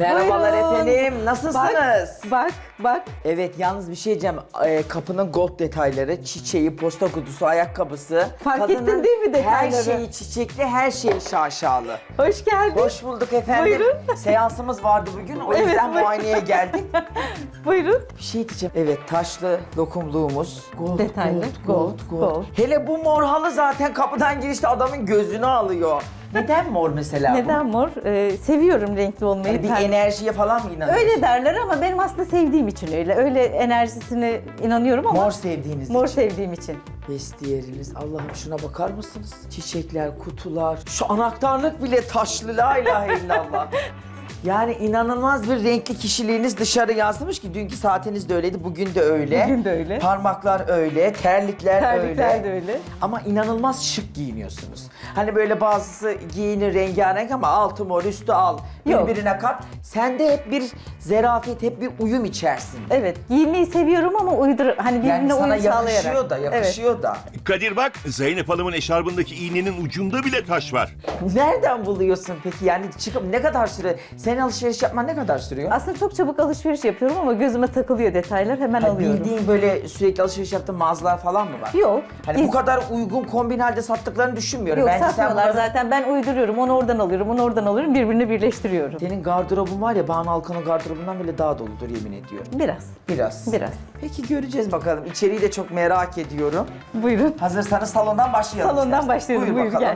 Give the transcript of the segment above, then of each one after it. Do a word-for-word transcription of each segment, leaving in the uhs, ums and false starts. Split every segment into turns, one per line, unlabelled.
Merhabalar
Buyurun.
efendim, nasılsınız?
Bak, bak, bak.
Evet, yalnız bir şey diyeceğim. Ee, kapının gold detayları, çiçeği, posta kutusu, ayakkabısı.
Fark ettin
Kadının
değil mi detayları?
Her şeyi çiçekli, her şeyi şaşalı.
Hoş geldin.
Hoş bulduk efendim.
Buyurun.
Seansımız vardı bugün, o
Evet,
yüzden
buyurun.
muayeneye geldik.
Buyurun.
Bir şey diyeceğim. Evet, taşlı lokumluğumuz. Gold,
Detaylı,
gold, gold,
gold,
gold.
gold.
Hele bu mor halı zaten kapıdan girişte adamın gözünü alıyor. Neden mor mesela bu?
Neden mor? Ee, seviyorum renkli olmayı.
Yani bir
Pembe.
enerjiye falan mı inanıyorsun?
Öyle derler ama benim aslında sevdiğim için öyle. Öyle enerjisine inanıyorum ama
Mor sevdiğiniz
mor
için.
sevdiğim için.
Vestiyeriniz, Allah'ım şuna bakar mısınız? Çiçekler, kutular, şu anahtarlık bile taşlı, la ilahe illallah. Yani inanılmaz bir renkli kişiliğiniz dışarı yansımış ki dünkü saatiniz de öyleydi, bugün de öyle.
Bugün de öyle.
Parmaklar öyle, terlikler,
Terlikler
öyle.
de öyle.
Ama inanılmaz şık giyiniyorsunuz. Hani böyle bazısı giyinir rengarenk ama altı mor, üstü al,
Yok.
birbirine kat. Sende hep bir zerafet, hep bir uyum içerisinde.
Evet, giyinmeyi seviyorum ama uydur hani birbirine
Yani sana
uyum sağlayarak.
yakışıyor da, yakışıyor da.
Kadir bak, Zeynep Hanım'ın eşarbındaki iğnenin ucunda bile taş var.
Nereden buluyorsun peki? Yani çıkıp ne kadar süre? Senin alışveriş yapman ne kadar sürüyor?
Aslında çok çabuk alışveriş yapıyorum ama gözüme takılıyor detaylar, hemen
Hani
alıyorum.
bildiğin böyle sürekli alışveriş yaptığın mağazalar falan mı var?
Yok.
Hani
biz-
bu kadar uygun kombin halde sattıklarını düşünmüyorum.
Yok,
Bence sen
satmıyorlar
bunları-
zaten. Ben uyduruyorum. Onu oradan alıyorum, onu oradan alıyorum. Birbirini birleştiriyorum.
Senin gardırobun var ya, Banu Alkan'ın gardırobundan bile daha doludur yemin ediyorum.
Biraz.
Biraz.
Biraz.
Peki göreceğiz bakalım. İçeriği de çok merak ediyorum.
Buyurun.
Hazırsanız salondan başlayalım.
Salondan
istersen.
başlayalım. Buyur,
bakalım.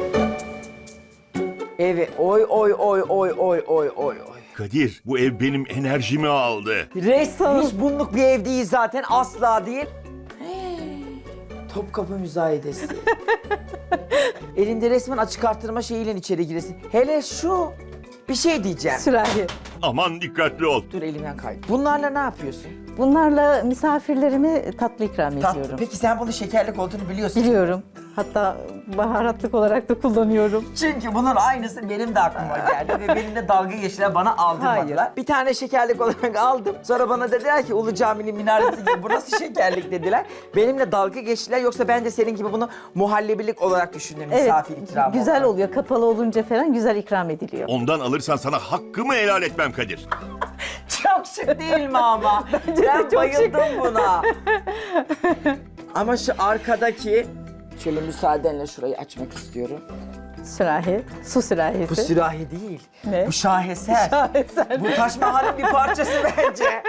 Evet. Oy oy oy oy oy oy oy oy.
Kadir, bu ev benim enerjimi aldı.
Resmen hiç bunluk bir ev değil zaten, asla değil. Topkapı müzayedesi. Elinde resmen açık arttırma şeyiyle içeri giresin. Hele şu, bir şey diyeceğim.
Sürahi.
Aman dikkatli ol.
Dur, elimden kaydı. Bunlarla ne yapıyorsun?
Bunlarla misafirlerime tatlı ikram
Tatlı.
ediyorum.
Peki sen bunun şekerlik olduğunu biliyorsun.
Biliyorum. Hatta baharatlık olarak da kullanıyorum.
Çünkü bunun aynısı benim de aklıma geldi ve benimle dalga geçtiler, bana aldırmadılar.
Hayır.
Bir tane şekerlik olarak aldım. Sonra bana dediler ki Ulu Cami'nin minaresi gibi bu nasıl şekerlik dediler. Benimle dalga geçtiler, yoksa ben de senin gibi bunu muhallebilik olarak düşündüm, misafir ikramı
güzel
olarak.
oluyor. Kapalı olunca falan güzel ikram ediliyor.
Ondan alırsan sana hakkımı helal etmem Kadir.
Çok şık değil mi ama?
Bence de
ben
çok
bayıldım buna. Ama şu arkadaki, şöyle müsaadenle şurayı açmak istiyorum.
Sürahi. Su sürahisi.
Bu sürahi değil.
Ne?
Bu şaheser.
Şaheser.
Bu Taş Mahal'in bir parçası bence.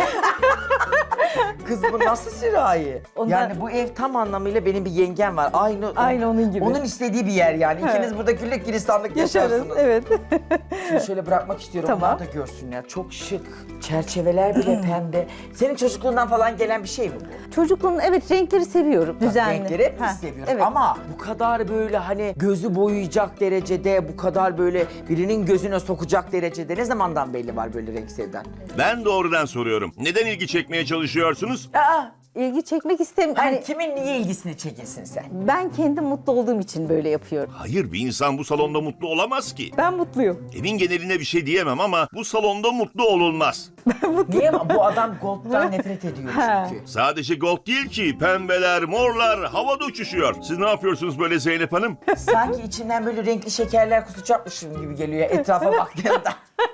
Kız bu nasıl sürahi?
Ondan-
Yani bu ev tam anlamıyla, benim bir yengem var. Aynı
Aynı onun gibi.
Onun istediği bir yer yani.
Evet.
İkiniz burada güllük gülistanlık
Yaşarız.
yaşarsınız.
Evet.
Şimdi şöyle bırakmak istiyorum.
Tamam.
Onlar da görsünler. Çok şık. Çerçeveler bile pembe. Senin çocukluğundan falan gelen bir şey mi bu?
Çocukluğun evet renkleri seviyorum. Düzenli.
Renkleri hep
Ha,
biz seviyoruz.
Evet.
Ama bu kadar böyle hani gözü boyayacak derecede, bu kadar böyle birinin gözüne sokacak derecede ne zamandan belli var böyle renk sevdan?
Ben doğrudan soruyorum. Neden ilgi çekmeye çalışıyorsunuz?
Aa,
İlgi çekmek istemiyorum.
hani
Hani
kimin niye ilgisini çekilsin sen?
ben kendim mutlu olduğum için böyle yapıyorum.
Hayır, bir insan bu salonda mutlu olamaz ki.
Ben mutluyum.
Evin geneline bir şey diyemem ama bu salonda mutlu olunmaz.
Niye? Bu adam gold'dan nefret ediyor
Ha.
çünkü.
Sadece gold değil ki, pembeler, morlar havada uçuşuyor. Siz ne yapıyorsunuz böyle Zeynep Hanım?
Sanki içimden böyle renkli şekerler kusacakmışım gibi geliyor ya etrafa baktığımda.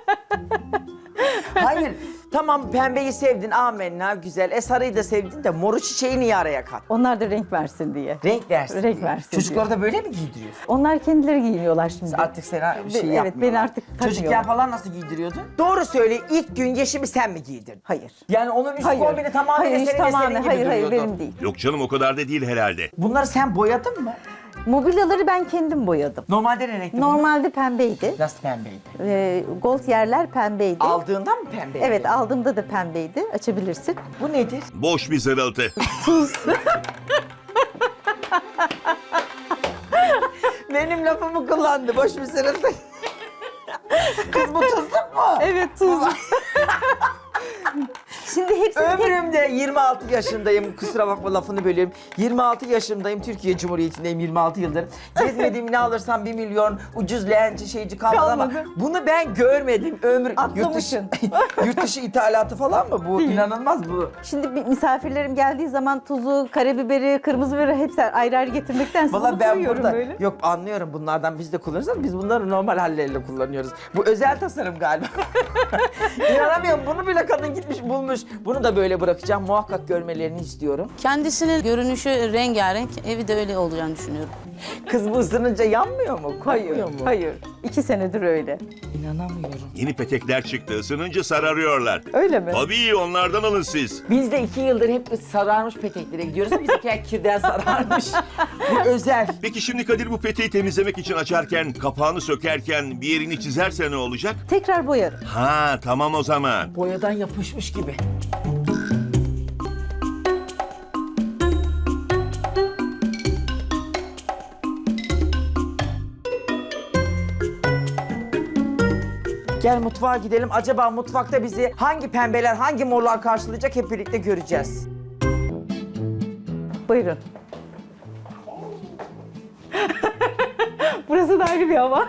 Hayır, tamam pembeyi sevdin, amenna güzel. E sarıyı da sevdin de moru çiçeği niye araya kat?
Onlar da renk versin diye.
Renk versin.
Renk
diye.
versin
Çocukları da böyle mi giydiriyorsun?
Onlar kendileri giyiniyorlar şimdi.
Artık sana bir şey
Evet,
yapmıyorlar.
beni artık
Çocukken
takmıyorlar.
falan nasıl giydiriyordun? Doğru söyle, ilk gün Yeşim'i sen mi giydirdin?
Hayır.
Yani onun üst
Hayır.
kombini tamamen
hayır,
senin
hiç
ve senin
tamamen.
gibi
Hayır, hayır
duruyordu.
benim değil.
Yok canım, o kadar da değil herhalde.
Bunları sen boyadın mı?
Mobilyaları ben kendim boyadım.
Normalde ne renkti bunlar?
Normalde pembeydi.
Nasıl pembeydi?
Ee, gold yerler pembeydi.
Aldığında mı pembeydi?
Evet, aldığımda da pembeydi. Açabilirsin.
Bu nedir?
Boş bir zırıltı.
Benim lafımı kullandı, boş bir sırıldı. Kız bu tuzluk mu?
Evet, tuz. Şimdi hepsini tek...
Ömrümde yirmi altı yaşındayım. Kusura bakma lafını bölüyorum. yirmi altı yaşındayım. Türkiye Cumhuriyeti'ndeyim yirmi altı yıldır. Gezmediğim ne alırsam bir milyon ucuz leğenci şeyci kalmadı, ama
Kalmadı.
bunu ben görmedim. Ömür yurt dışı,
Atlamışsın.
yurt dışı ithalatı falan mı bu? İnanılmaz bu.
Şimdi bir misafirlerim geldiği zaman tuzu, karabiberi, kırmızı biberi hepsi ayrı ayrı getirmektense
Valla
bunu
ben
koyuyorum
burada
böyle.
yok anlıyorum, bunlardan biz de kullanırız ama biz bunları normal halleriyle kullanıyoruz. Bu özel tasarım galiba. İnanamıyorum, bunu bile kadın gitmiş bulmuş. Bunu da böyle bırakacağım, muhakkak görmelerini istiyorum.
Kendisinin görünüşü rengarenk, evi de öyle olacağını düşünüyorum.
Kız bu ısınınca yanmıyor mu?
Hayır,
Kokmuyor mu?
hayır. İki senedir öyle.
İnanamıyorum.
Yeni petekler çıktı. Isınınca sararıyorlar.
Öyle mi?
Tabii onlardan alın siz.
Biz de iki yıldır hep sararmış peteklere gidiyoruz ama bizimkiler kirden sararmış. Bu özel.
Peki şimdi Kadir bu peteği temizlemek için açarken, kapağını sökerken bir yerini çizerse ne olacak?
Tekrar boyarım.
Ha tamam o zaman.
Boyadan yapışmış gibi. Gel mutfağa gidelim. Acaba mutfakta bizi hangi pembeler, hangi morlar karşılayacak hep birlikte göreceğiz.
Buyurun. Burası da ayrı bir hava.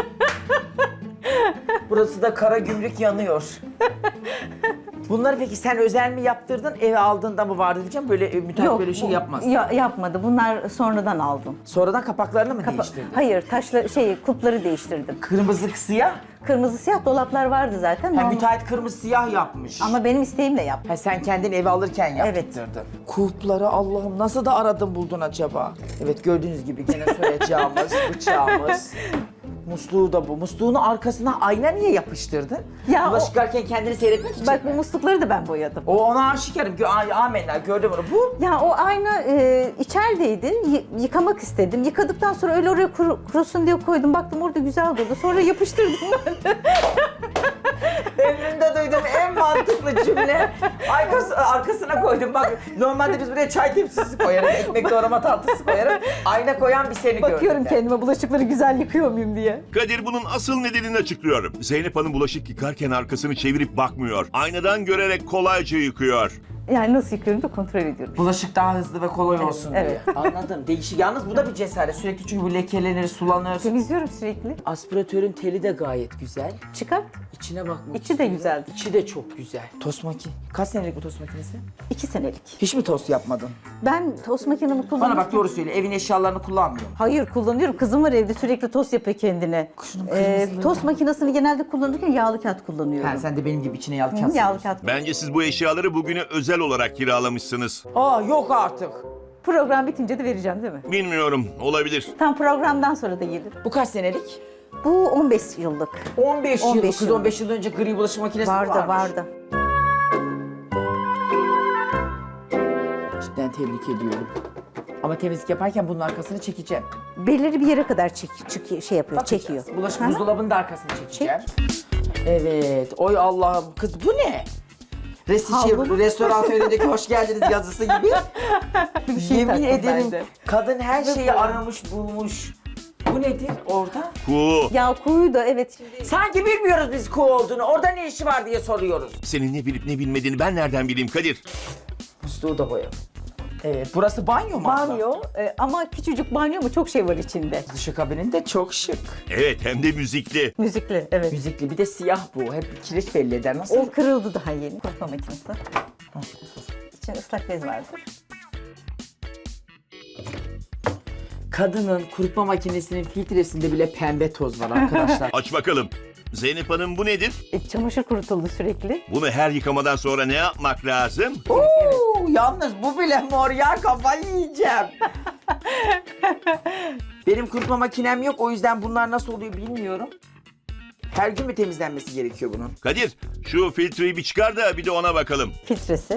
Burası da kara gümrük yanıyor. Bunları peki sen özel mi yaptırdın, eve aldığında mı vardı diyeceğim. Böyle e, müteahhit böyle şey
bu-
yapmaz.
Ya, yapmadı. Bunlar sonradan aldım.
Sonradan kapaklarını mı
Kapa-
değiştirdin?
Hayır, taşla şey kulpları değiştirdim.
Kırmızı siyah.
Kırmızı siyah dolaplar vardı zaten.
Ha,
normal-
müteahhit kırmızı siyah yapmış.
Ama benim isteğimle yaptım.
Ha, sen kendin eve alırken
Evet.
yaptırdın. Kulpları Allah'ım nasıl da aradın buldun acaba? Evet, gördüğünüz gibi gene soyacağımız, bıçağımız. Musluğu da bu. Musluğunu arkasına ayna niye yapıştırdın?
Ya
Bulaşık
o-
yıkarken kendini seyretmek için
Bak bu
mi?
muslukları da ben boyadım.
O ona aşikarım. Gö ay, amenna gördüm onu. Bu
Ya o ayna e, içerideydi. Y- yıkamak istedim. Yıkadıktan sonra öyle oraya kuru- kurusun diye koydum. Baktım orada güzel durdu. Sonra yapıştırdım ben.
ömrümde duyduğum en mantıklı cümle. Arkası, arkasına koydum. Bak normalde biz buraya çay tepsisi koyarız, ekmek doğrama tatlısı koyarız. Ayna koyan bir seni gördüm.
Bakıyorum
ben.
kendime bulaşıkları güzel yıkıyor muyum diye.
Kadir bunun asıl nedenini açıklıyor. Zeynep Hanım bulaşık yıkarken arkasını çevirip bakmıyor. Aynadan görerek kolayca yıkıyor.
Yani nasıl yıkıyorum da kontrol ediyorum.
Bulaşık daha hızlı ve kolay olsun
evet.
diye. Anladım. Değişik. Yalnız bu da bir cesaret. Sürekli çünkü bu lekelenir, sulanır.
Temizliyorum sürekli.
Aspiratörün teli de gayet güzel.
Çıkart.
İçine bakmak
İçi de
istiyorum.
güzeldi.
İçi de çok güzel. Tost makine. Kaç senelik bu tost makinesi?
İki senelik.
Hiç mi tost yapmadın?
Ben tost makinemi
Bana
kullanıyorum.
bak doğru söyle. Evin eşyalarını kullanmıyorum.
Hayır kullanıyorum. Kızım var evde sürekli tost yapıyor kendine.
Şunun
Ee,
kırmızıları
tost makinesini genelde kullanırken yağlı kağıt kullanıyorum.
Ha, sen de benim gibi içine yağlı
Hı,
kağıt
yağlı
seriyorsun.
kağıt.
Bence siz bu eşyaları bugüne özel olarak kiralamışsınız.
Aa yok artık.
Program bitince de vereceğim değil mi?
Bilmiyorum, olabilir.
Tam programdan sonra da gelir.
Bu kaç senelik?
Bu on beş yıllık.
on beş,
on
yıl.
beş
Kız
yıl.
on beş yıl önce gri bulaşık makinesi mi
Vardı
varmış?
vardı.
Cidden tebrik ediyorum. Ama temizlik yaparken bunun arkasını çekeceğim.
Belirli bir yere kadar çek, çek- şey yapıyor,
Bakacağız.
çekiyor.
Bulaşık
Hı hı.
buzdolabının da arkasını çekeceğim. Evet. Oy Allah'ım kız bu ne? Resi şey,
Havlu mu?
restoran önündeki hoş geldiniz yazısı gibi.
Bir şey
Yemin
taktım
ederim
ben de.
kadın her şeyi aramış bulmuş. Bu nedir orada?
Ku,
Ya kuyu da evet. Şimdi
Sanki bilmiyoruz biz kuğu olduğunu. Orada ne işi var diye soruyoruz.
senin ne bilip ne bilmediğini ben nereden bileyim Kadir?
Musluğu da boyalım. Evet, burası banyo mu? abla?
banyo e, ama küçücük banyo mu çok şey var içinde.
Dışı kabinin de çok şık.
Evet, hem de müzikli.
Müzikli evet.
Müzikli bir de siyah bu. Hep kireç belli eder. Nasıl?
O kırıldı daha yeni kurutma makinesi. İçinde ıslak bez vardı.
Kadının kurutma makinesinin filtresinde bile pembe toz var arkadaşlar.
Aç bakalım. Zeynep Hanım bu nedir?
E, çamaşır kurutuldu sürekli.
Bunu her yıkamadan sonra ne yapmak lazım?
Oo, yalnız bu bile mor ya, kafayı yiyeceğim. Benim kurutma makinem yok, o yüzden bunlar nasıl oluyor bilmiyorum. Her gün mü temizlenmesi gerekiyor bunun?
Kadir, şu filtreyi bir çıkar da bir de ona bakalım.
Filtresi.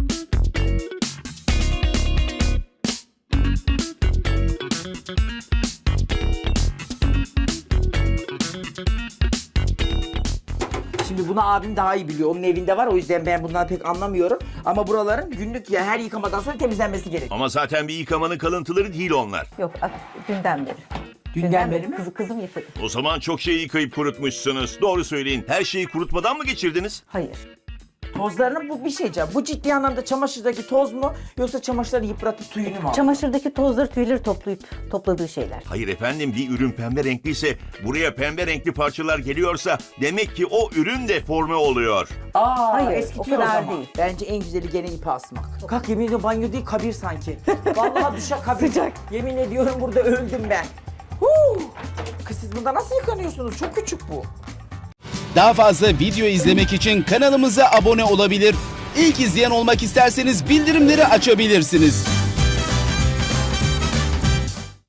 Şimdi bunu abim daha iyi biliyor. Onun evinde var, o yüzden ben bundan pek anlamıyorum. Ama buraların günlük ya her yıkamadan sonra temizlenmesi gerekiyor.
Ama zaten bir yıkamanın kalıntıları değil onlar.
Yok a- dünden beri.
Dünden beri mi?
Kızı, kızım yıkadı.
O zaman çok şey yıkayıp kurutmuşsunuz. Doğru söyleyin. Her şeyi kurutmadan mı geçirdiniz?
Hayır.
Tozlarını bu bir şey diyeceğim. Bu ciddi anlamda çamaşırdaki toz mu yoksa çamaşırları yıpratıp tüyünü mü alıyor?
Çamaşırdaki tozları, tüyleri toplayıp topladığı şeyler.
Hayır efendim, bir ürün pembe renkliyse, buraya pembe renkli parçalar geliyorsa demek ki o ürün deforme oluyor.
Aa,
Hayır,
eskitiyor
o kadar
zaman.
değil.
Bence en güzeli gene ipi asmak. Kalk, yemin ediyorum banyo değil kabir sanki. Vallahi duşa kabir.
Sıcak.
Yemin ediyorum burada öldüm ben. Huu. Kız siz bunda nasıl yıkanıyorsunuz? Çok küçük bu.
Daha fazla video izlemek için kanalımıza abone olabilir. İlk izleyen olmak isterseniz bildirimleri açabilirsiniz.